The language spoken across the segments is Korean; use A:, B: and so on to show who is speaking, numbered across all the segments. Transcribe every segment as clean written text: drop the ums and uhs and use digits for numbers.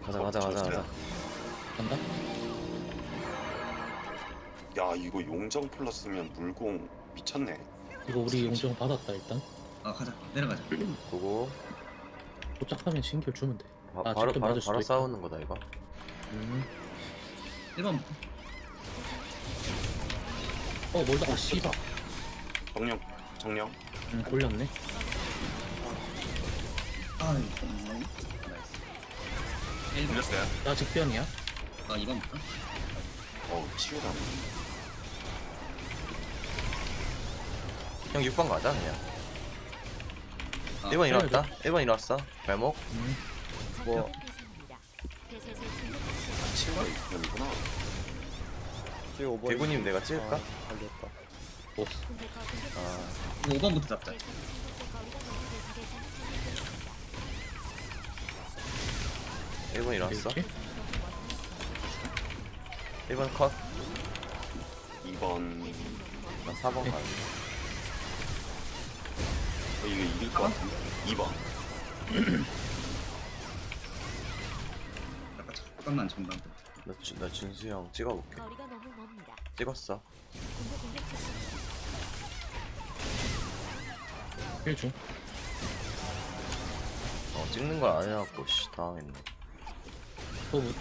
A: 가자 가자 가자 가자.
B: 간다?
C: 야 이거 용정 플러스면 물공 미쳤네.
B: 이거 우리 용정 받았다 일단.
D: 아 가자 내려가자.
A: 보고
B: 도착하면 신결 주면 돼.
A: 바로
B: 직접 맞을 수도
A: 바로
B: 있다.
A: 싸우는 거다 이거.
D: 1번
B: 멀다. 아 씨발.
C: 정령.
B: 골렸네.
D: 아 이거 나이스. 1번
C: 불렸어요.
B: 나 직변이야.
D: 아 2번부터
C: 치유다.
A: 형 6번 가자 그냥.
D: 아,
A: 1번 일어났다. 1번 일어났어. 발목.
E: 뭐
C: 치유가 이편이구나.
E: 지금 5번
A: 대구님 내가 찍을까?
E: 알겠다.
B: 보스.
A: 아
D: 5번부터 잡자.
A: 1번 일어났어.
B: 이렇게?
A: 1번 컷.
C: 2번.
A: 나 4번 가야 돼.
C: 이거 이길 것 같은데. 2번.
D: 잠깐만 전방.
A: 나 준수 형 찍어볼게.
F: 거리가 너무 멉니다.
A: 찍었어.
F: 공격 필수 없습니다.
B: 1중.
A: 찍는 걸 안 해갖고 씨 당했네.
B: 또 뭐-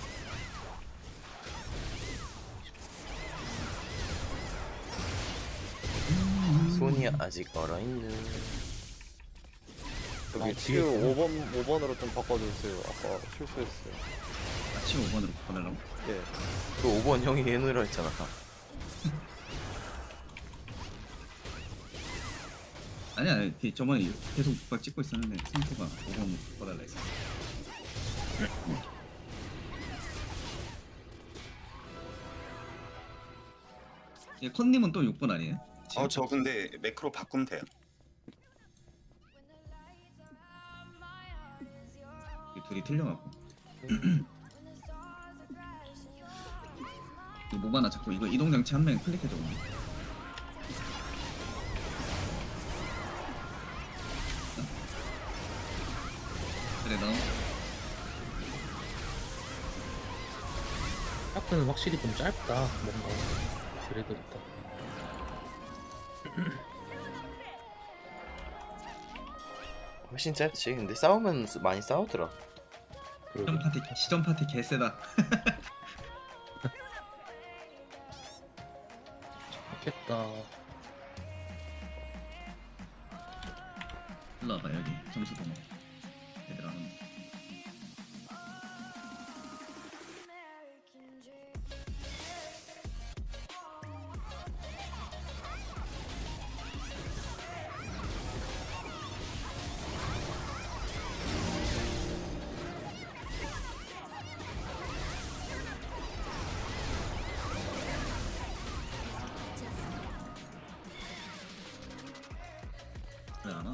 A: 손이 아직 얼어있는.
E: 여기
B: 아,
E: 치유
B: 뒤에
E: 5번으로 좀 바꿔주세요. 아까 실수했어요.
D: 같이 5번으로 보내려고.
E: 예.
A: 그 5번 형이 해놓으라 했잖아.
D: 아니야 저번에 계속 막 찍고 있었는데 생토가 5번 바꿔달라 했어. 예, 컨님은 또 6번 아니에요?
C: 저 근데 매크로 바꾸면 돼요.
D: 이 둘이 틀려갖고. 이 모바나 자꾸 이거 이동장치 한 명 클릭해줘. 그래 너
B: 하프는 확실히 좀 짧다. 뭔가. 그래도 있다.
A: 훨씬 짧지. 근데 싸우면 많이 싸우더라.
B: 그러게.
D: 시전 파티 개세다.
B: 좋겠다.
D: 일로 와봐 여기 점수 보내. 얘들 안 온다. 왜 안 와?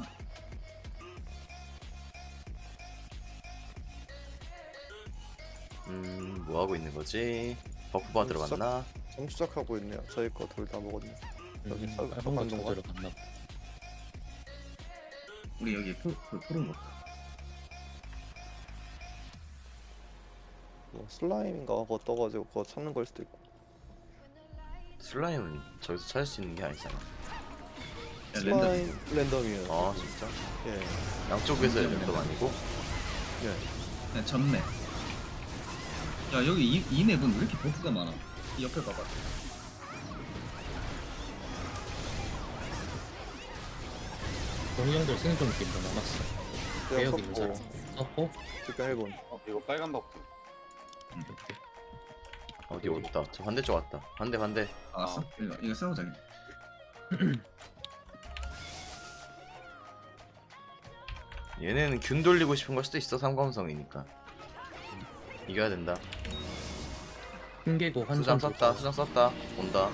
A: 뭐 하고 있는 거지? 버프 받으러 갔나?
E: 정수작하고 있네요. 저희 거 둘 다 먹었네. 여기 사-
B: 빨간 거
E: 잠깐 좀
B: 찾으러 갔나 봐.
D: 우리 여기 프로 먹.
E: 뭐 슬라임인가 그거 떠가지고 그거 찾는 걸 수도 있고.
A: 슬라임은 저기서 찾을 수 있는 게 아니잖아.
E: 슬라임 랜덤이에요.
A: 아 진짜?
E: 예.
A: 양쪽에서 랜덤 아니고?
E: 예.
D: 그냥 전맵. 야 여기 이 맵은 왜 이렇게 버프가 많아? 이 옆에 봐봐.
B: 경영들 생존 게임도 남았어.
E: 내가
B: 개혁이
E: 썼고
B: 인사. 썼고.
E: 그니까 1번.
C: 이거 빨간 버프.
B: 이렇게.
A: 어디 왔다. 저 반대쪽 왔다. 반대.
D: 아, 왔어? 이거 싸우자.
A: 얘네는 균 돌리고 싶은 걸 수도 있어. 삼검성이니까. 이겨야 된다.
B: 흰개고 한손
A: 수장 썼다. 수장 썼다. 온다.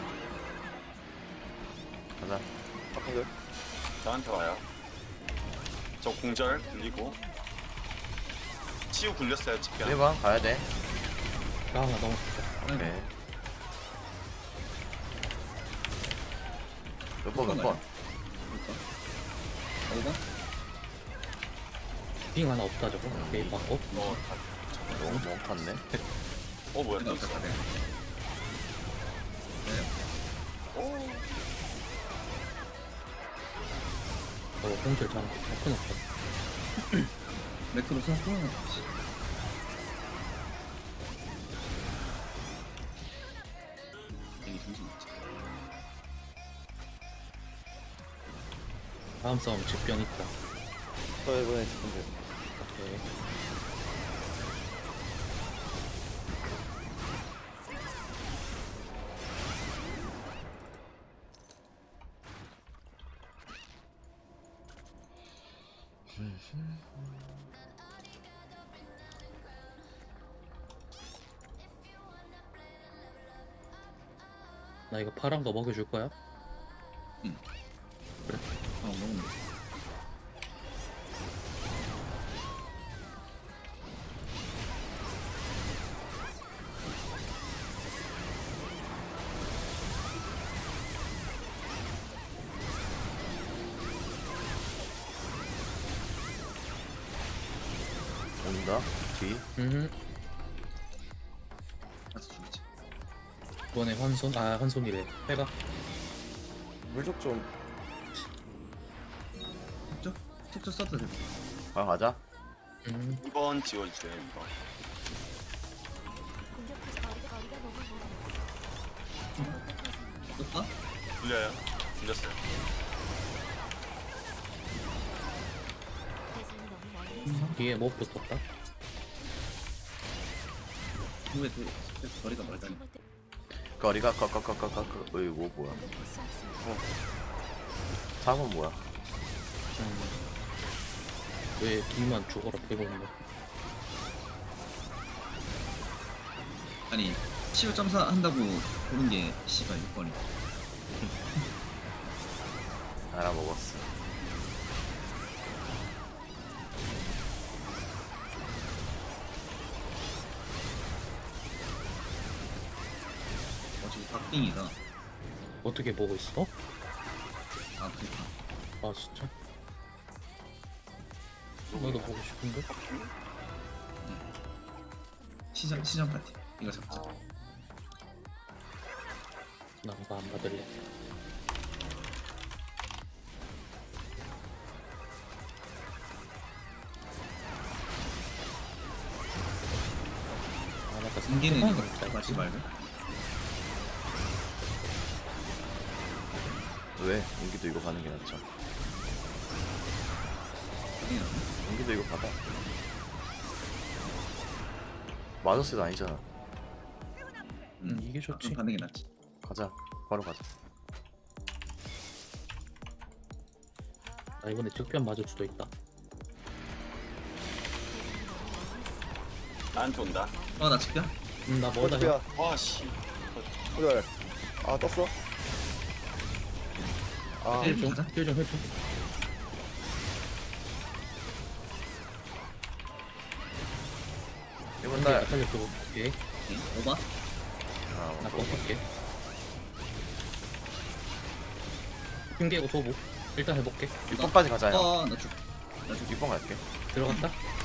A: 가자.
E: 바꾼데?
C: 나한테 와요. 저 공절 굴리고. 치유 굴렸어요. 집변.
A: 1번 가야 돼.
B: 나 하나 넘었어.
A: 오케이. 몇 번?
D: 5번?
B: 빙 하나 없다 저거. 게임 받고.
C: 뭐
A: 탔네.
C: 뭐야
D: 내가
C: 또 있어.
D: 없었다 내가.
B: 홍철 잘하고 끊었다.
D: 매크로 써서 되게 정신 없지.
B: 다음 싸움 직변 있다.
E: 저 이번에 지금
B: 오케이. 나 이거 파란 거 먹여줄 거야?
D: 먹으면 돼.
A: 온다. 뒤.
D: 가서 죽이지.
B: 이번에 환손, 환손이래. 빼가.
E: 물족 좀
D: 속죠? 속죠 써도 돼.
A: 가자.
C: 2번 지워주세요 2번.
F: 공격해서 거리가 너무 멀어.
D: 떴다?
C: 들려요? 들렸어요.
F: 대상이 너무 멀리 있어.
B: 뒤에 못 붙었다.
D: 후에 또 거리가 멀다니.
A: 거리가 이거 뭐야?
F: 공격할 수 없습니다.
A: 사건 뭐야?
B: 왜 뒤만 죽어라 빼고 있는 거야?
D: 아니 15.4 한다고 고른 게 씨발 6번이.
A: 알아먹었어.
D: 지금 박빙이다.
B: 어떻게 보고 있어?
D: 아프리카.
B: 아 진짜? 나도 보고 싶은데?
D: 시장 파티. 이거 잡자.
B: 나 이거 안 받을래. 아 맞다.
D: 승기는 이거
B: 잘
D: 맞지 말고.
A: 왜? 연기도 이거 가는 게 낫죠.
D: 그냥
A: 연기도 이거 받아. 마저스도 아니잖아.
B: 이게 좋지.
D: 좀 받는 게 낫지.
A: 가자. 바로 가자.
B: 나 이번에 적변 맞을 수도 있다.
C: 나한테 온다.
D: 나 집냐?
B: 나 뭐다 형.
E: 어떻게야
C: 와씨.
E: 그래 아 떴어? 아
D: 네.
B: 힐 좀,
D: 가자.
B: 힐 좀 해줘.
A: 이번
B: 나
A: 날.
B: 살려주고. 오케이.
D: 오케이. 오바?
B: 나
A: 뭐,
B: 꺾을게. 핑계고 소부. 일단 해볼게.
A: 6번까지 가자 형.
D: 나 죽.
A: 6번 갈게.
B: 들어갔다.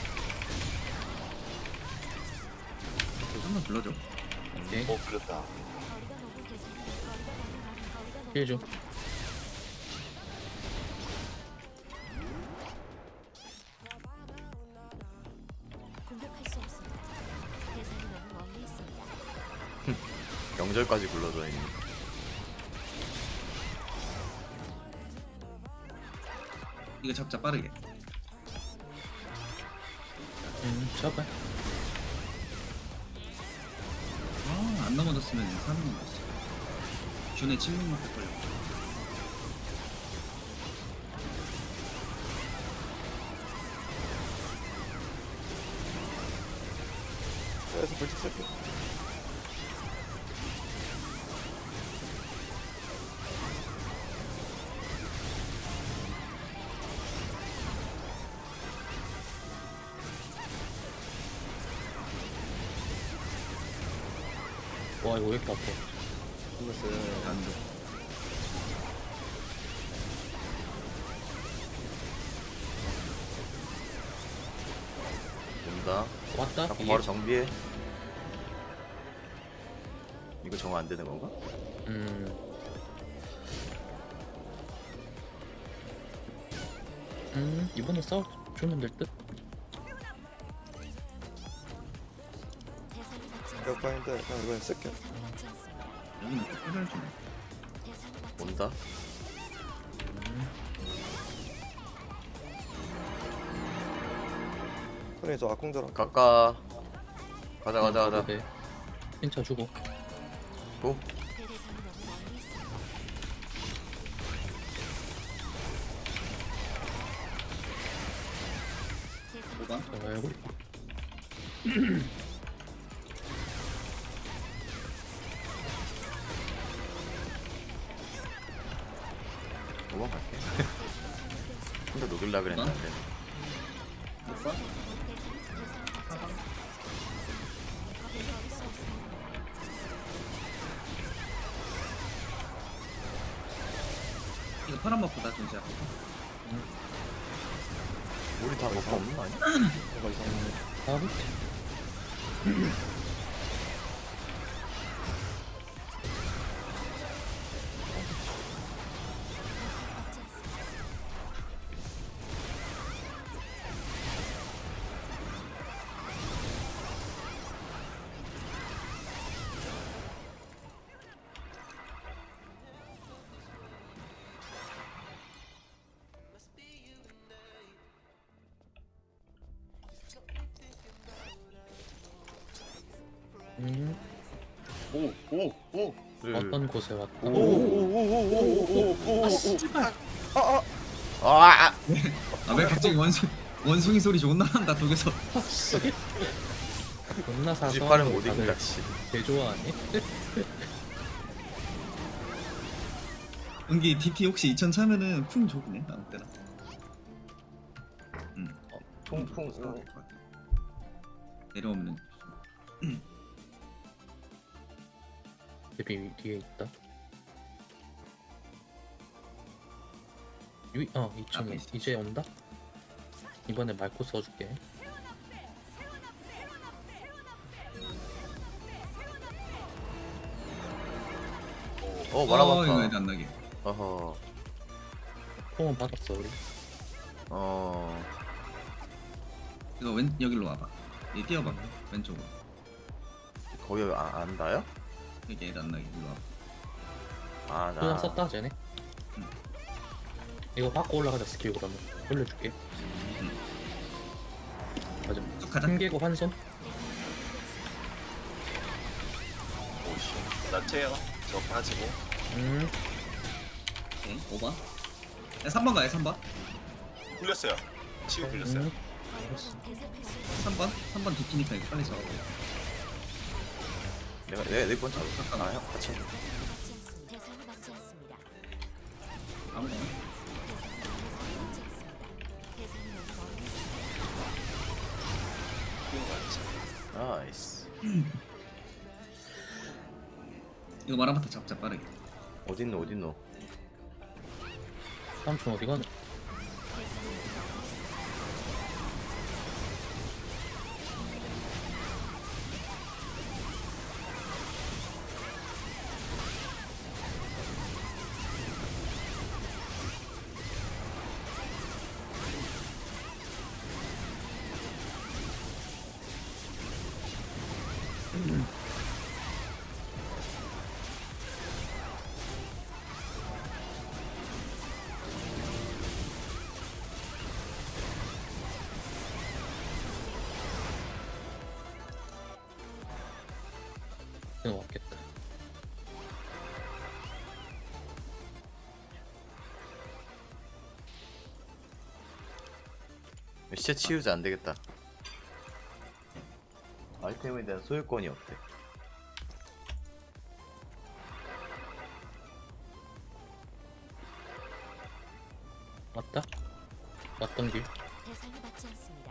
D: 한번 불러줘.
B: 오케이.
C: 불렸다.
F: 거리가 너무 계속 거리가 너무
B: 힐 좀.
F: 공격할 수 없습니다. 대상이 너무 멀리 있습니다.
A: 명절까지 굴러져 있는.
D: 이거 잡자 빠르게.
B: 잡아.
D: 안 넘어졌으면 사는 건 없어. 준의 침묵밖에 걸려.
E: 그래서 물족 쓸게
B: 와 이거 왜 이렇게 아파?
E: 죽었어요
D: 안 돼.
A: 온다.
B: 왔다.
A: 자꾸
B: 이게.
A: 바로 정비해. 이거 정화 안 되는 건가?
B: 이번에 싸워주면 될 듯.
F: 대상이 받지 않습니다.
E: 에어파인데 그냥 이번엔 쓸게.
F: 대상이 받지 않습니다.
D: 여기는 또 해결 좀.
F: 대상이 받지
A: 온다.
E: 손이 저 아콩자랑
A: 가까. 가자.
B: 네. 핀차 주고.
A: 고.
F: 그 대상이 너무 멀리 있습니다. 대상이
D: 5번.
B: 잘 알고 있고.
A: 도망 갈게. 혼자 녹일라 그랬는데.
D: 못 봐? 이거 파란 맛보다 좀 시작.
A: 우리 다 먹고 없는 거 아니야?
E: 뭔가 이상해.
B: 하고.
C: 오오오
B: 어떤 곳에 왔다.
A: 아!
D: 아왜 갑자기 원숭이 소리 존나 난다 독에서.
B: 존나 사서.
A: 98은 못 이긴다 씨.
B: 개 좋아하니?
D: 은기 DT 혹시 2000 차면은 풍 좋네 아무 때나.
A: 풍풍.
D: 내려오면은
B: 데뷔 뒤에 있다. 2층에
D: 앞에 있어.
B: 이제 온다. 이번에 말코 써줄게.
A: 어
D: 이거
A: 말아봤다.
D: 애들 안 나게.
A: 어허.
B: 폼은 받았어 우리.
A: 어.
D: 이거 왼 여기로 와봐. 얘 뛰어봐 왼쪽으로.
A: 거기 안 닿아요?
D: 여기 애들 안 나게 일로 와봐.
A: 아
B: 그냥
A: 나.
B: 썼다 쟤네. 이거 받고 올라가자 스킬 그러면 올려줄게. 맞아.
D: 쭉 가자.
B: 힘개고 한손.
C: 오씨 나 째요 저 빠지고
D: 오케이 5번. 야 3번 가요 3번.
C: 굴렸어요 치유 굴렸어요
B: 알겠어.
D: 3번 DT니까 이거 빨리 잡아.
A: 내가 내번 잡을까? 아 형 같이.
F: 대상이 받지 않습니다.
D: 아무거나.
F: 대상이 너무 멀리 있습니다.
C: 치유 맞지
A: 나이스.
D: 이거 마라마타 잡자 빠르게.
A: 어딨노?
B: 삼촌 어디 가냐? 그냥 왔겠다.
A: 시체 치우자 안 되겠다. 아이템에 대한 소유권이 없대.
B: 왔다. 왔던 길.
F: 대상이 받지 않습니다.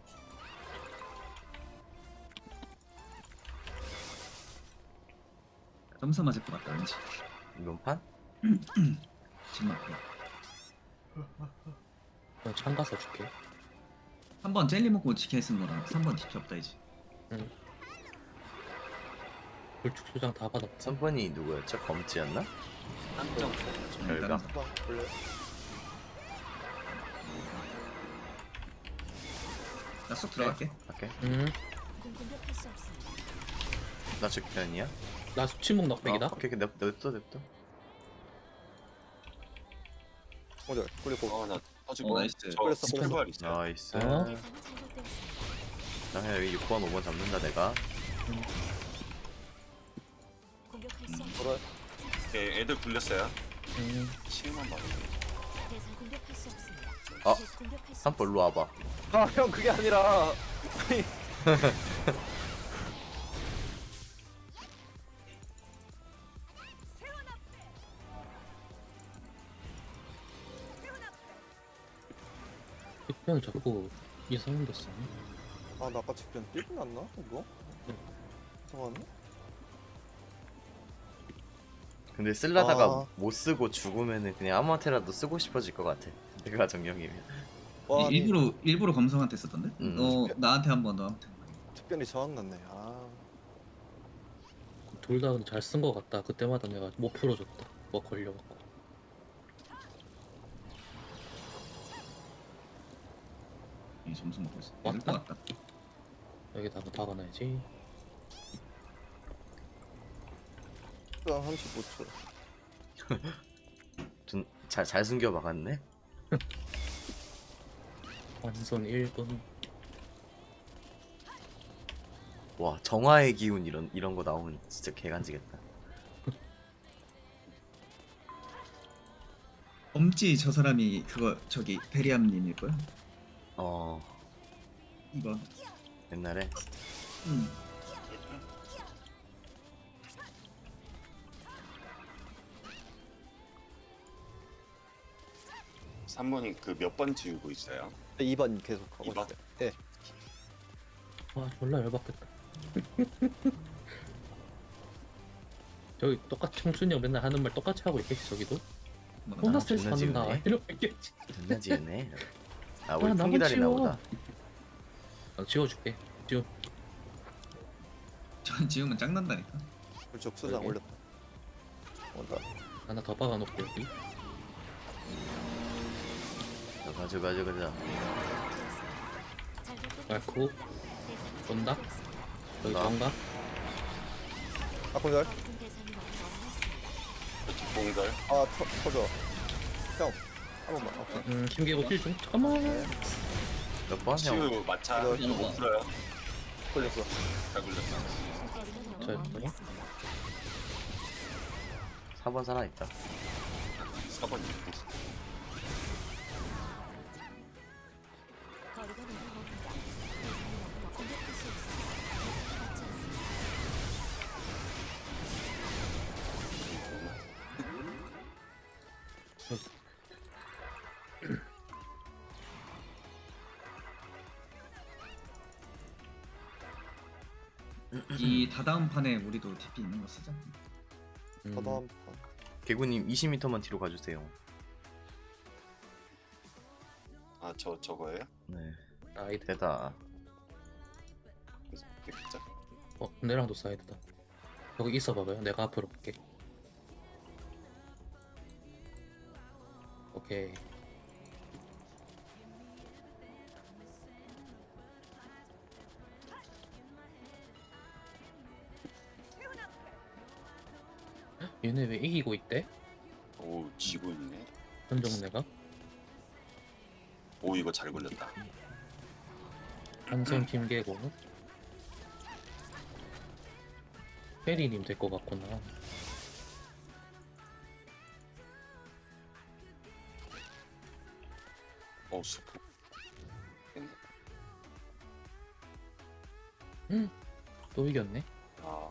D: 점사 맞을 것 같다 왠지.
A: 이번 판?
D: 정말.
B: 그냥 창가 써줄게.
D: 3번 젤리 먹고 지켜 쓴 거라 3번 TP 없다 이제.
B: 불축 소장 다 받았고.
A: 3번이 누구였죠? 검지였나?
C: 한정
A: 별가.
E: 수방 원래
D: 나쏙 들어갈게.
A: 오케이.
F: 공격할 수 없습니다.
A: 나 죽편이야?
B: 나 수치목 넉백이다.
A: 오케이, 냅둬.
E: 오늘 그리고
C: 아나 터지고
D: 나이스.
C: 저
E: 그랬어,
C: 스킬발 있어요.
A: 나이스.
B: 어?
F: 대상이 잘못되었습니다.
A: 나 그냥 여기 6번, 5번 잡는다 내가.
F: 공격할 수 없습니다.
E: 돌아
C: 오케이, 애들 굴렸어요. 7만 봐.
F: 대상 공격할 수 없습니다.
A: 아,
F: 계속 공격할 수
A: 3번 일로 와봐.
E: 아 형 그게 아니라
B: 뒷변 자꾸 이상한 데 쓰네.
E: 아나 아까 직변 삐고 났나 이거? 이상하네.
A: 근데 쓸라다가
E: 아.
A: 못 쓰고 죽으면은 그냥 아무한테라도 쓰고 싶어질 것 같아. 내가 정령이면.
E: 와 아니,
D: 일부러 검성한테 썼던데? 너 나한테 한 번, 너한테.
E: 직변이 저항 났네. 아
B: 둘 다 잘 쓴 거 같다. 그때마다 내가 못 풀어줬다. 뭐 걸려갖고.
D: 이 점수 먹고 있어.
B: 왔다?
D: 될것 같다.
B: 여기다가 박아놔야지.
E: 수방 35초.
A: 잘 숨겨 박았네.
B: 완선 1분.
A: 와, 정화의 기운 이런 거 나오면 진짜 개간지겠다.
D: 엄지 저 사람이 그거 저기 베리암님일 거야.
A: 어,
D: 2번.
A: 옛날에
D: 응.
C: 3번이 그 몇 번 지우고 있어요?
E: 2번 계속 하고
C: 2번?
E: 있어요. 예.
B: 와 졸라 열받겠다. 저기 똑같이 청순이 형 맨날 하는 말 똑같이 하고 있겠지 저기도. 존나 스트레스
A: 존나
B: 받는다.
A: 지우네.
B: 이러고 있겠지.
A: 존나 지으네. 아, 우리
B: 아, 나만
A: 풍기다리나
B: 치워.
A: 보다.
B: 지워줄게. 지워.
D: 전 지우면 짱난다니까.
E: 불쪽 수장
B: 그러게.
E: 올렸다. 온다.
B: 하나 더 박아놓을게 여기.
A: 가자.
B: 말고 온다. 여기
A: 온다.
B: 뭔가?
E: 아 공절.
F: 모든 대상이 너무 멀리
C: 뒷공절.
E: 아 터져. 형. 한 번만. 오케이.
B: 힘개고 힐 좀. 잠깐만.
A: 몇 번? 형.
C: 치유 마차
E: 이거
C: 이거 못 풀어요.
E: 걸렸어.
C: 잘 굴렸어.
F: 있습니다.
B: 잘
F: 너무 멀리
B: 들어?
F: 있습니다.
A: 4번 살아있다.
C: 4번 입고 있어.
F: 거리가 너무 멉니다. 대상이 너무 공격할 수 없습니다. 대상이 맞지 않습니다.
D: 이 다다음 판에 우리도 TP 있는 거 쓰자.
E: 다음 판.
A: 개구님 20m만 뒤로 가주세요.
C: 아 저거예요?
A: 네.
B: 사이드.
A: 되다.
C: 진짜?
B: 내랑도 사이드다. 여기 있어 봐봐요. 내가 앞으로 볼게. 오케이. 얘네 왜 이기고 있대?
C: 오 지고 있네.
B: 현정내가?
C: 오 이거 잘 굴렸다.
B: 한선 김계고 페리님 될 것 같구나.
C: 스프.
B: 또 이겼네.
C: 아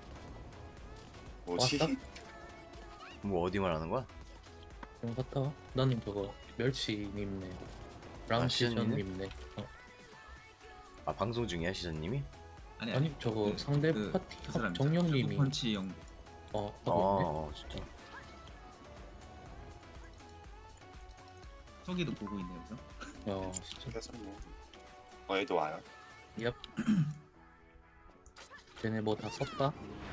C: 뭐지?
B: 왔다?
A: 뭐 어디 말하는 거야?
B: 그럼 갔다 와. 나는 저거 멸치님네 랑시전님네.
A: 아, 방송 중이야 시전님이?
B: 아니 저거
D: 그-
B: 상대
D: 그-
B: 파티
D: 그 사람
B: 정령님이
D: 펀치 형.
B: 하고 있네.
A: 진짜.
D: 저기도 보고 있네요. 그죠?
B: 진짜.
C: 그래서 뭐 얘도 와요.
B: 얍. 쟤네 뭐 다 썼다?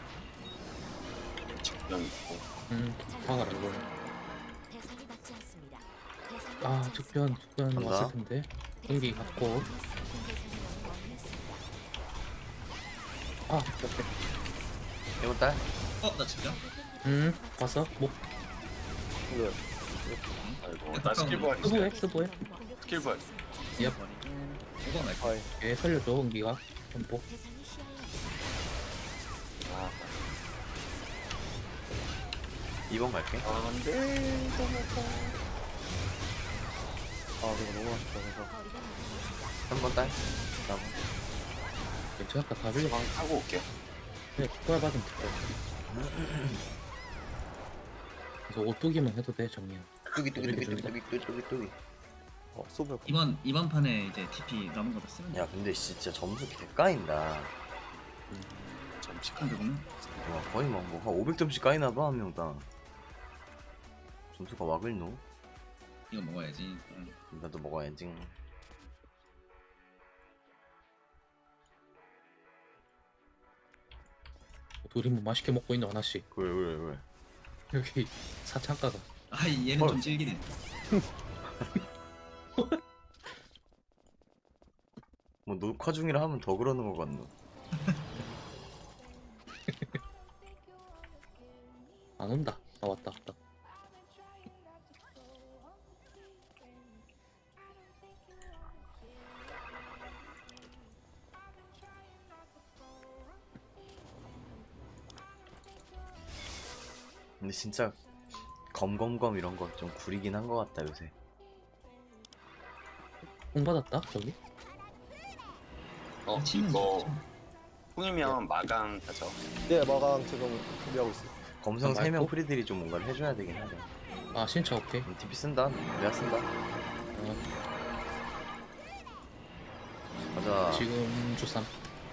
C: 적병 있고.
B: 박아라 이거.
F: 대상이 맞지 않습니다. 대상이
B: 아
F: 맞지
B: 특변
A: 간다.
B: 왔을 텐데. 공기 갖고.
F: 대상이 너무 멀리했습니다.
B: 아 오케이.
A: 이번 달?
D: 나 진짜?
B: 봤어? 뭐
E: 네.
C: 아이고 나 스킬 부활
B: 스부해
C: 있어요.
B: 스부해.
C: 스킬 부활.
B: 얍.
D: 5번 날
E: 아이.
B: 얘 살려줘 공기가. 전복.
F: 대상이 시야에 없습니다.
C: 아,
A: 2번 갈게.
E: 안돼 너무 아 이거 너무 아쉽다 그래서
F: 거리가 멀어집니다.
A: 3번 딸. 4번.
B: 괜찮다 다 빌려.
C: 방 타고 올게요.
B: 그래 국가 받으면 돼. 그래서 오뚜기만 해도 돼 정리야.
A: 뚜기.
E: 소멸
D: 이번 판에 이제 TP 남은 거다 쓰면 돼.
A: 야 근데 진짜 점수 개까인다.
C: 잠시
D: 근데 보면
A: 와 거의 막뭐한 500점씩 까이나봐 한 명당. 점수가 wak을 노?
D: 이거 먹어야지.
A: 나도 먹어야지.
B: 둘이 뭐 맛있게 먹고 있는 하나씩.
A: 왜?
B: 여기 사창가가.
D: 얘는 좀 질기네.
A: 뭐 녹화 중이라 하면 더 그러는 거 같노.
B: 안 온다. 아 왔다.
A: 근데 진짜 검검검 이런 거 좀 구리긴 한 거 같다 요새.
B: 공 받았다 저기.
D: 치는
C: 이거
D: 거.
C: 풍이면 마감 하죠.
E: 네 마감 지금 준비하고 있어요.
A: 검성
B: 아,
A: 3명
B: 말고?
A: 프리들이 좀 뭔가를 해줘야 되긴 하죠.
B: 아 신차 오케이.
A: TP 쓴다. 내가 쓴다. 가자.
B: 지금 주삼.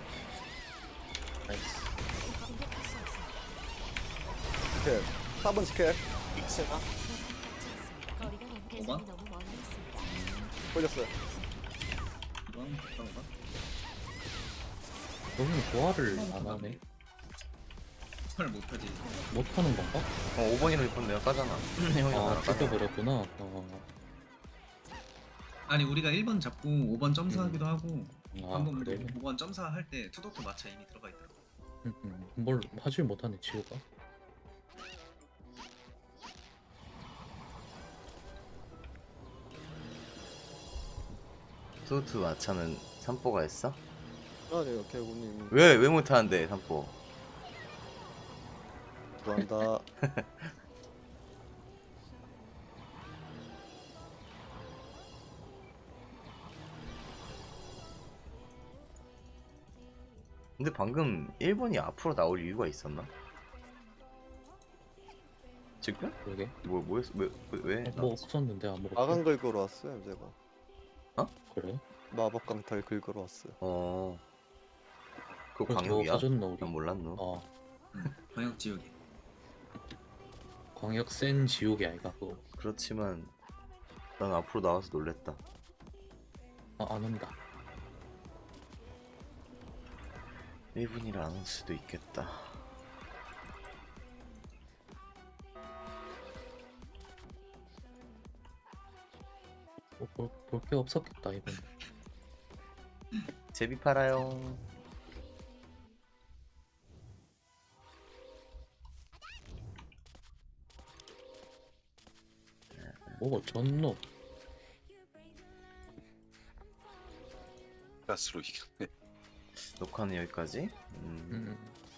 B: 나이스.
F: 공격할 수 없습니다.
E: 스킬 4번 스킬
C: 익스가
F: 대상이 맞지 않습니다. 거리가 대상이 너무 멀리 있습니다.
E: 걸렸어요.
D: 2번 가볼까?
B: 너는 부활을 안 하네.
D: 헐 못하지.
B: 못하는 건가?
A: 5번이랑 6번 내가 까잖아. 형이
B: 아
A: 나랑 까잖아.
B: 뜯겨버렸구나.
D: 아니 우리가 1번 잡고 5번 점사하기도 하고
B: 아
D: 한번
B: 그래.
D: 5번 점사할 때 투도트 마차 이미 들어가 있더라고.
B: 뭘 하질 못하네 지우가.
A: 소트 마차는 삼뽀가 했어?
E: 아니요 개구님
A: 왜 못하는데 삼뽀?
E: 좋아한다.
A: 근데 방금 1번이 앞으로 나올 이유가 있었나? 지금?
B: 그러게.
A: 뭐였어? 왜?
B: 뭐 없었는데 아무것도.
E: 마감 긁으러 왔어요 제가.
B: 그래?
E: 마법 강탈 긁으러 왔어요.
A: 그거
B: 그래서 뭐
A: 광역이야?
B: 가졌나 우리?
A: 난 몰랐노.
D: 광역 지역이.
B: 광역 센 지옥이 아이가 그거.
A: 그렇지만 난 앞으로 나와서 놀랬다.
B: 안 온다.
A: 1분이라 안 올 수도 있겠다.
B: 볼 게 없었겠다 이번.
A: 제비 팔아요.
B: 뭐가 졌노?
C: 가스로 이겼네.
A: 녹화는 여기까지.
B: 음.